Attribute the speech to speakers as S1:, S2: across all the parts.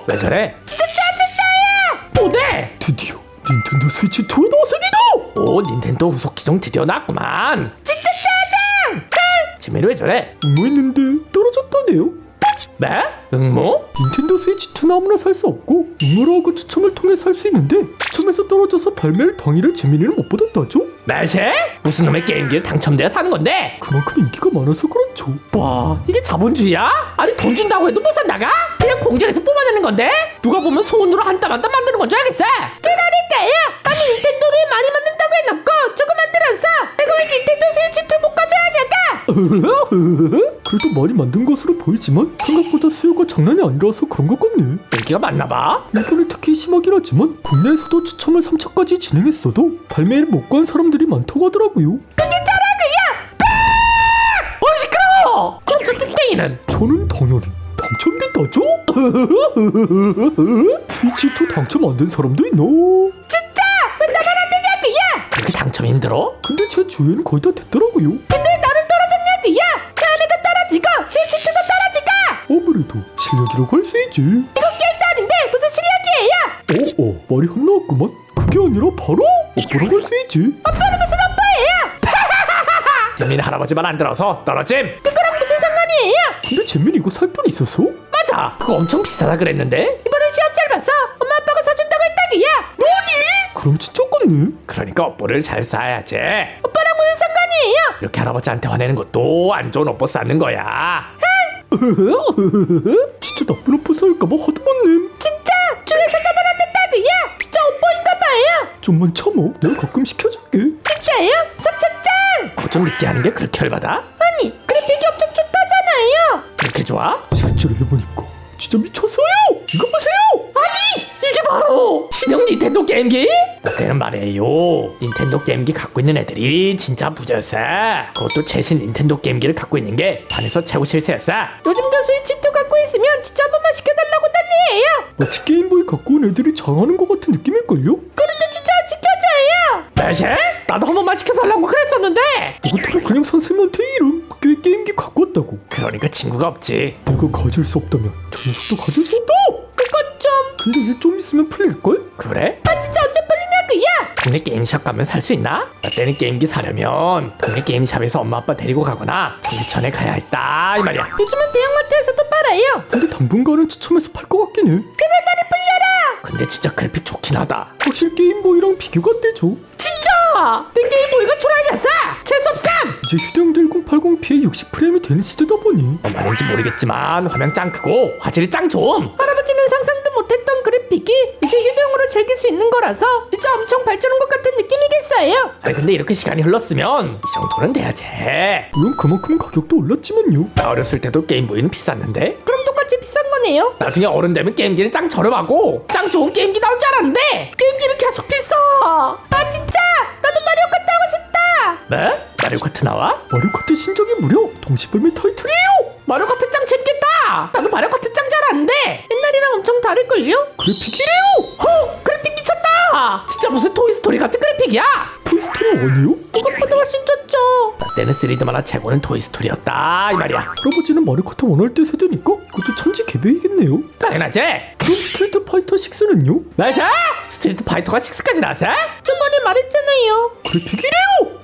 S1: 왜 저래? 진짜 짜증나요! 뭐래?
S2: 드디어 닌텐도 스위치 2가 나왔습니다.
S1: 오, 닌텐도 후속 기종 드디어 나왔구만. 진짜 짜증! 재민이 왜 저래?
S2: 응모했는데 떨어졌다네요.
S1: 네? 응모?
S2: 닌텐도 스위치 2는 아무나 살 수 없고 응모를 하고 추첨을 통해 살 수 있는데 추첨에서 떨어져서 발매를 당일에 재민이는 못 받았다죠.
S1: 매세? 무슨 놈의 게임기를 당첨돼야 사는 건데?
S2: 그만큼 인기가 많아서 그렇죠.
S1: 와, 이게 자본주의야? 아니 돈 준다고 해도 못 산다가? 그냥 공장에서 뽑아내는 건데? 누가 보면 손으로 한 땀 한 땀 만드는 건 줄 알겠어? 그러니까요. 아니 닌텐도를 많이 만든다고 해놓고 조금 만들었어. 내가 왜 닌텐도 스위치 2 못 가져야냐가?
S2: 그래도 많이 만든 것으로 보이지만 생각보다 수요가 장난이 아니라서 그런 것 같네.
S1: 인기가 많나봐.
S2: 일본이 특히 심하긴 하지만 국내에서도 추첨을 3차까지 진행했어도 발매를 못 간 사람들이 많다고 하더라고요.
S1: 시끄러워! 그럼 저 뚝땡이는?
S2: 저는 당연히 당첨됐다죠? 스위치2 당첨 안 된 사람도 있나?
S1: 진짜! 왜 나만 안 되냐고요? 그렇게 당첨 힘들어?
S2: 근데 제 주위에는 거의 다 됐더라고요.
S1: 근데 나는 떨어졌냐고요? 처음에도 떨어지고 스위치 2도 떨어지고
S2: 아무래도 실력이라고 할 수 있지.
S1: 이거 게임도 아닌데 무슨 실력이에요?
S2: 말이 혼나왔구만. 그게 아니라 바로 오빠라고 할 수 있지.
S1: 오빠는 무슨 오빠예요? 재민 할아버지 말 안 들어서 떨어짐. 그거랑 무슨 상관이에요?
S2: 근데 잼민이 이거 살 돈 있었어?
S1: 맞아, 그거 엄청 비싸다 그랬는데. 이번엔 시험 잘 봤어. 엄마 아빠가 사준다고 했다기야.
S2: 그럼 진짜 같네.
S1: 그러니까 업보를 잘 쌓아야지. 오빠랑 무슨 상관이에요? 이렇게 할아버지한테 화내는 것도 안 좋은 업보 쌓는 거야.
S2: 진짜 나쁜 오빠 싸울까봐 하드만님.
S1: 진짜 줄에서 나만 안 된다고요? 진짜 업보인가 봐요.
S2: 좀만 참어. 내가 가끔 시켜줄게.
S1: 진짜예요? 섭섭짱! 그거 좀 늦게 하는 게 그렇게 열받아? 아니, 그래픽이 엄청 좋다잖아요. 그렇게 좋아?
S2: 실제로 해보니까 진짜 미쳤어요. 이거 보세요.
S1: 아니, 이게 바로 신형 닌텐도 게임기? 그때는 말이에요, 닌텐도 게임기 갖고 있는 애들이 진짜 부자였어. 그것도 최신 닌텐도 게임기를 갖고 있는 게 반에서 최고 실세였어. 요즘도 스위치2 갖고 있으면 진짜 한 번만 시켜달라고 난리예요.
S2: 마치 게임보이 갖고 온 애들이 장하는 것 같은 느낌일걸요?
S1: 그런데 진짜 안 시켜줘요. 매세? 나도 한 번만 시켜달라고 그랬었는데.
S2: 너 같으면 그냥 선생님한테 이름 학교에 게임기 갖고 왔다고.
S1: 그러니까 친구가 없지.
S2: 내가 가질 수 없다면 저 녀석도 가질 수 없다.
S1: 그건 좀...
S2: 근데 이제 좀 있으면 풀릴걸?
S1: 그래? 아 진짜 언제 풀리냐고요? 동네 게임샵 가면 살 수 있나? 나 때는 게임기 사려면 동네 게임샵에서 엄마 아빠 데리고 가거나 정비천에 가야 했다 이 말이야. 요즘은 대형마트에서도 팔아요.
S2: 근데 당분간은 추첨해서 팔 것 같긴 해.
S1: 제발 많이 풀려라. 근데 진짜 그래픽 좋긴 하다.
S2: 확실히 게임보이랑 비교가 안 되죠.
S1: 진짜 내 게임보이가 초라해졌어. 재수없삼.
S2: 이제 휴대용 1080p에 60프레임이 되는 시대다 보니
S1: 뭔 말인지 모르겠지만 화면 짱 크고 화질이 짱 좋음. 할아버지는 상상도 못했던 그래픽이 이제 휴대용으로 즐길 수 있는 거라서 진짜 엄청 발전한 것 같은 느낌이겠어요. 아니 근데 이렇게 시간이 흘렀으면 이 정도는 돼야지.
S2: 물론 그만큼 가격도 올랐지만요.
S1: 나 어렸을 때도 게임보이는 비쌌는데 그럼 똑같이 비싼 거네요. 나중에 어른 되면 게임기는 짱 저렴하고 짱 좋은 게임기 나올 줄 알았는데 게임기는 계속 비싸. 아 진짜 나도 마리오 카트 하고 싶다. 네? 마리오 카트 나와?
S2: 마리오 카트 신작이 무려 동시 발매 타이틀이에요.
S1: 마리오 카트 짱 재밌겠다. 나도 마리오 카트 짱 잘하는데 옛날이랑 엄청 다를걸요?
S2: 그래픽이래요.
S1: 그래픽 미쳤다. 진짜 무슨 토이스토리 같은 그래픽이야.
S2: 토이스토리 아니에요?
S1: 이것보다 훨씬 좋죠. 나 때는 3D 만화 최고는 토이스토리였다 이 말이야.
S2: 할아버지는 마리오 카트 원할 때 세대니까 그것도 천지 개배이겠네요.
S1: 당연하지.
S2: 그럼 스트리트 파이터 6는요?
S1: 맞아? 스트리트 파이터가 6까지 나왔어? 저번에 말했잖아요.
S2: 그래픽이래요.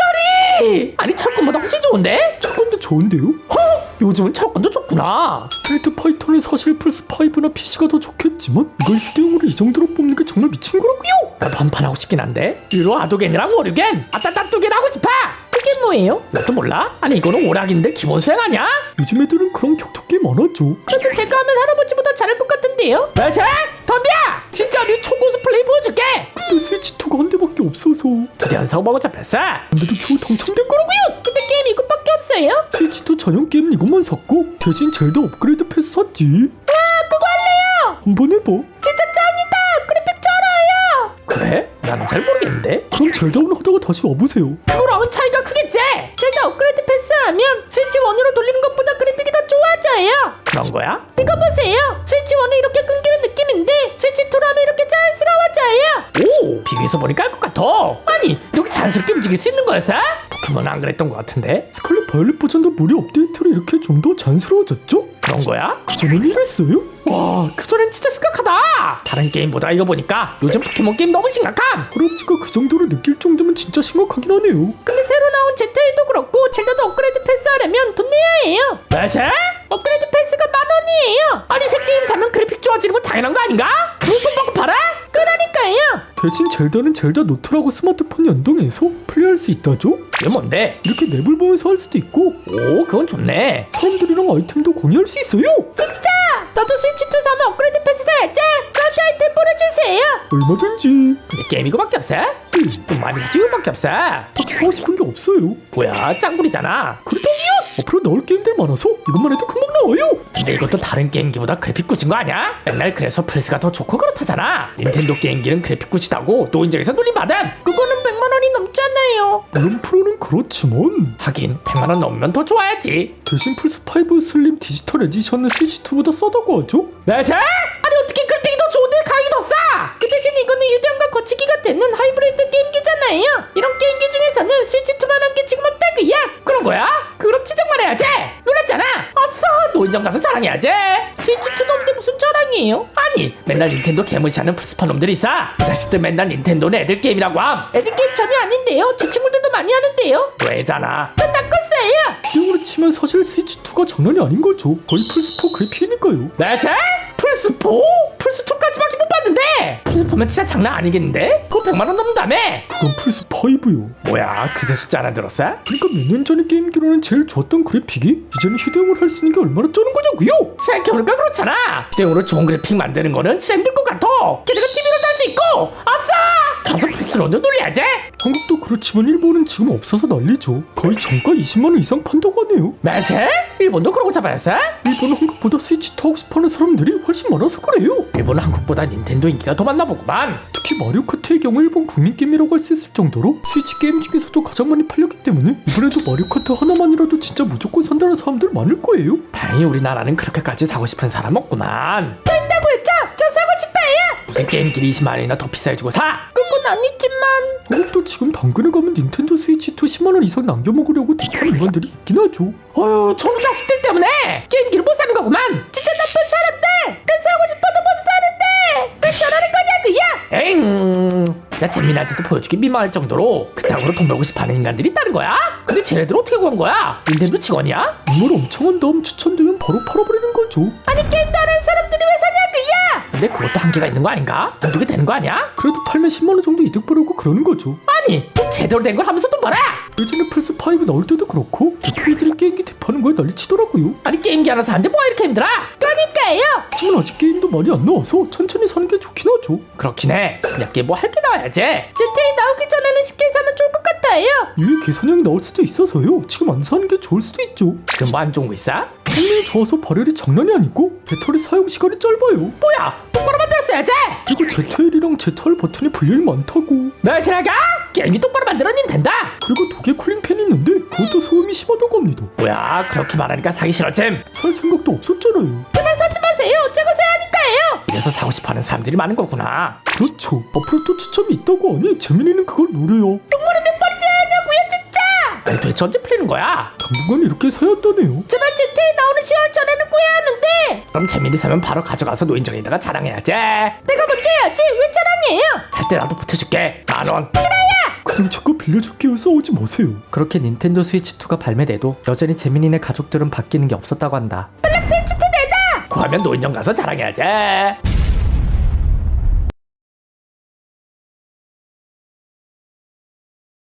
S1: 미쳤다리. 아니 철권보다 훨씬 좋은데?
S2: 첫건도 좋은데요?
S1: 요즘은 철권도 좋구나.
S2: 스트리트 파이터는 사실 플스5나 PC가 더 좋겠지만 이걸 휴대용으로 이 정도로 뽑는 게 정말 미친 거라고요.
S1: 나도 한판 하고 싶긴 한데 유로 아도겐이랑 오류겐 아따따뚜겐 하고 싶어. 그게 뭐예요? 너도 몰라? 아니 이거는 오락인데 기본 수행 아니야?
S2: 요즘 애들은 그런 격투 게임 안 하죠.
S1: 그래도 제가 하면 할아버지보다 잘할 것 같은데요? 맞아? 덤벼! 진짜 네 초고수 플레이 보여줄게.
S2: 근데 스위치2가 한 대밖에 없어서
S1: 두대 안 사고 먹어 잡혔어.
S2: 근데도 겨우 당첨된 거라고요.
S1: 근데 게임 이것밖에 없어요?
S2: 스위치2 전용 게임은 이것만 샀고 대신 젤다 업그레이드 패스 샀지.
S1: 그거 할래요.
S2: 한번 해봐.
S1: 진짜 짱이다. 그래픽 쩔어요. 그래? 나는 잘 모르겠는데.
S2: 그럼 젤다운 하다가 다시 와보세요.
S1: 그거랑은 차이가 크겠지? 제가 업그레이드 패스하면 스위치 1으로 돌리는 것보다 그래픽이 더 좋아져요. 그런 거야? 이거 보세요. 스위치 1은 이렇게 끊기는 느낌인데 스위치 2로 하면 이렇게 자연스러워져요. 오, 비교해서 보니까 알 것 같아. 아니 이렇게 자연스럽게 움직일 수 있는 거였어? 포켓몬은 안 그랬던 것 같은데.
S2: 스칼렛 바이올렛 버전도 무료 업데이트로 이렇게 좀 더 자연스러워졌죠?
S1: 그런 거야?
S2: 그전에는 이랬어요?
S1: 와, 그전엔 진짜 심각하다. 다른 게임보다 이거 보니까 요즘 포켓몬 게임 너무 심각함.
S2: 할아버지가 그 정도로 느낄 정도면 진짜 심각하긴 하네요.
S1: 근데 새로 나온 ZA도 그렇고 젤다도 업그레이드 패스 하려면 돈 내야 해요. 맞아? 업그레이드 패스가 10,000원이에요. 아니 새 게임 사면 그래픽 좋아지는 건 당연한 거 아닌가? 그돈 받고 팔아? 그러니까요.
S2: 대신 젤다는 젤다 노트라고 스마트폰 연동해서 플레이할 수 있다죠?
S1: 이게 뭔데?
S2: 이렇게 맵을 보면서 할 수도 있고
S1: 오, 그건 좋네.
S2: 사람들이랑 아이템도 공유할 수 있어요.
S1: 진짜? 나도 스위치2 사면 업그레이드 패스 사야지. 저한테 아이템 보내주세요.
S2: 얼마든지.
S1: 근데 게임 이거밖에 없어? 돈 많이 사실 이거밖에 없어.
S2: 딱히 사고 싶은 게 없어요.
S1: 뭐야, 짱구리잖아.
S2: 그렇다고요? 앞으로 나올 게임들 많아서 이것만 해도 금방 나와요.
S1: 근데 이것도 다른 게임기보다 그래픽 꾸진 거 아니야? 맨날 그래서 플스가 더 좋고 그렇다잖아. 닌텐도 게임기는 그래픽 꾸지다고 노인정에서 놀림받음. 그거는 100만원이 넘잖아요.
S2: 물론 프로는 그렇지만
S1: 하긴 100만원 넘으면 더 좋아야지.
S2: 대신 플스5 슬림 디지털 에디션은 스위치2보다 싸다고 하죠?
S1: 맞아? 아니 어떻게 그래픽이 더 좋은데 가격이 더 싸? 그 대신 이거는 유대함과 거치기가 되는 하이브리드 게임기잖아요. 이런 게임기 중에서는 스위치2만한 게 지금 없다고야. 그런 거야? 그럼 지적만 해야지. 놀랐잖아. 아싸, 노인정 가서 자랑해야지. 스위치2도 없는데 무슨 자랑이에요? 아니 맨날 닌텐도 개무시하는 플스파 놈들이 있어. 그 자식들 맨날 닌텐도는 애들 게임이라고 함. 애들 게임 전혀 아닌데요. 제 친구들도 많이 하는데요. 왜잖아. 전 낚았어요.
S2: 비용으로 치면 사실 스위치2가 장난이 아닌 거죠. 거의 플스4 그래픽이니까요.
S1: 맞아? 플스4? 플스2까지밖에 못 봤는데 플스4면 진짜 장난 아니겠는데? 그거 100만원 넘는다며?
S2: 그건 플스5요.
S1: 뭐야, 그새 숫자 하나 들었어?
S2: 그러니까 몇 년 전의 게임기로는 제일 좋았던 그래픽이 이제는 휴대용을 할 수 있는 게 얼마나 쩌는 거냐고요?
S1: 생각해보니까 그렇잖아. 휴대용으로 좋은 그래픽 만드는 거는 진짜 힘들 것 같아. 게다가 TV로도 할 수 있고. 아싸! 가서 플스로도 놀려야지.
S2: 한국도 그렇지만 일본은 지금 없어서 난리죠. 거의 정가 20만원 이상 판다고 하네요.
S1: 맞아? 일본도 그러고 잡아였어?
S2: 일본은 한국보다 스위치2 하고 싶어하는 사람들이 훨씬 많아서 그래요.
S1: 일본은 한국보다 닌텐도 인기가 더 많나 보구만.
S2: 특히 마리오 카트의 경우 일본 국민 게임이라고 할 수 있을 정도로 스위치 게임 중에서도 가장 많이 팔렸기 때문에 이번에도 마리오 카트 하나만이라도 진짜 무조건 산다는 사람들 많을 거예요.
S1: 다행히 우리나라는 그렇게까지 사고 싶은 사람 없구만. 된다고 했죠? 저 사고 싶어요. 무슨 게임기를 20만원이나 더 비싸게 주고 사? 그건 아니지만
S2: 한국도 지금 당근에 가면 닌텐도 스위치2 10만원 이상 남겨먹으려고 대파는 인간들이 있긴 하죠.
S1: 어휴, 저놈 자식들 때문에 게임기를 못 사는 거구만. 진짜 나쁜 사람들. 그 사고 싶어도 못 사는데 왜 저러는 거냐고요? 에잉, 진짜 재민한테도 보여주기 민망할 정도로 그따구로 돈 벌고 싶어하는 인간들이 있다는 거야? 근데 쟤네들 어떻게 구한 거야? 닌텐도 직원이야?
S2: 이걸 엄청 한 다음 추천되면 바로 팔아버리는 거죠.
S1: 아니 게임 다른 사람들이 왜 사냐고요? 근데 그것도 한계가 있는 거 아닌가? 한두개 되는 거 아니야?
S2: 그래도 팔면 10만원 정도 이득 보려고 그러는 거죠.
S1: 아니 좀 제대로 된 걸 하면서 돈 벌어.
S2: 예전에 플스5 나올 때도 그렇고 대표이들이 게임기 대파는 거에 난리치더라고요.
S1: 아니 게임기 하나 사는데 뭐가 이렇게 힘들어? 그러니까요.
S2: 하지만 아직 게임도 많이 안 나와서 천천히 사는 게 좋긴 하죠.
S1: 그렇긴 해. 신작 게임 뭐 할 게 나와야지. GTA 나오기 전에는 쉽게 사면 좋을 것 같아요.
S2: 위에 개선형이 나올 수도 있어서요. 지금 안 사는 게 좋을 수도 있죠.
S1: 지금 뭐 안 좋은 거 있어?
S2: 성능이 좋아서 발열이 장난이 아니고 배터리 사용 시간이 짧아요.
S1: 뭐야, 똑바로 만들었어야지.
S2: 그리고 ZL이랑 ZR 버튼이 분량이 많다고.
S1: 며칠아가 게임이 똑바로 만들어 닌텐다.
S2: 그리고 독에 쿨링팬이 있는데 그것도 소음이 심하다고 합니다.
S1: 뭐야, 그렇게 말하니까 사기 싫어짐.
S2: 살 생각도 없었잖아요.
S1: 제발 사지 마세요. 어쩌고 사야 하니까요. 이래서 사고 싶어하는 사람들이 많은 거구나.
S2: 그렇죠. 앞으로 또 추첨이 있다고 하니 재민이는 그걸 노려요.
S1: 동물은 몇 번이 돼야 하냐고요 진짜. 아니 도대체 언제 풀리는 거야?
S2: 당분간 이렇게 사야 한다네요.
S1: 제발 GTA 나오는 10월 전에는 구해야 하는데. 그럼 재민이 사면 바로 가져가서 노인정에다가 자랑해야지. 내가 먼저 해야지. 왜 자랑해요? 살 때 나도 보태줄게. 10,000원.
S2: 그냥 잠깐 빌려줄게요. 싸우지 마세요.
S3: 그렇게 닌텐도 스위치2가 발매돼도 여전히 재민이네 가족들은 바뀌는 게 없었다고 한다.
S1: 빨리 스위치2 내다. 구하면 노인정 가서 자랑해야지.